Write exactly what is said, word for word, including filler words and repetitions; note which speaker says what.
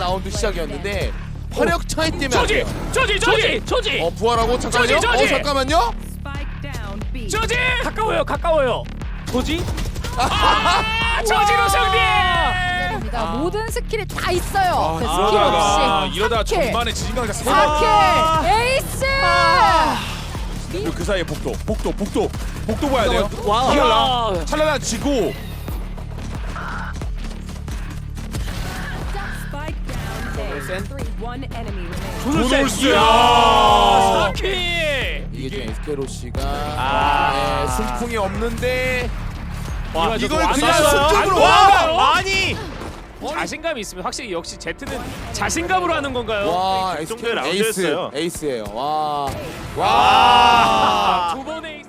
Speaker 1: 라운드 시작이었는데 화력 차이 때문에 안
Speaker 2: 저지!
Speaker 1: 돼요.
Speaker 2: 저지! 저지! 저지!
Speaker 1: 어 부활하고 잠깐만요.
Speaker 2: 저지, 저지!
Speaker 1: 어 잠깐만요.
Speaker 2: 저지! 가까워요 가까워요. 저지? 아! 저지로 승리!
Speaker 3: 입니다.
Speaker 1: 아.
Speaker 3: 모든 스킬이 다 있어요. 그 스킬
Speaker 4: 이러다가
Speaker 3: 없이
Speaker 4: 이러다
Speaker 3: 사 킬.
Speaker 4: 전반에 지진강자 세
Speaker 3: 사 킬
Speaker 4: 방.
Speaker 3: 에이스.
Speaker 4: 그리고 그 사이에 복도, 복도, 복도, 복도 봐야 돼요.
Speaker 2: 와.
Speaker 4: 찰나나, 찰나나 지고.
Speaker 2: 도놀스.
Speaker 4: 이야.
Speaker 2: 사 킬!
Speaker 1: 이게 지금 에스케로시가
Speaker 2: 아.
Speaker 1: 네, 순풍이 없는데
Speaker 2: 와,
Speaker 1: 이걸
Speaker 2: 저거
Speaker 1: 그냥
Speaker 2: 안
Speaker 1: 순쪽으로
Speaker 2: 나와요?
Speaker 1: 와!
Speaker 2: 아니! 자신감이 있으면 확실히 역시 제트는 자신감으로 하는 건가요?
Speaker 1: 와
Speaker 5: 그 정도의
Speaker 1: 에스케 에이스
Speaker 5: 라운드였어요.
Speaker 1: 에이스예요. 와.
Speaker 2: 아, 두 번의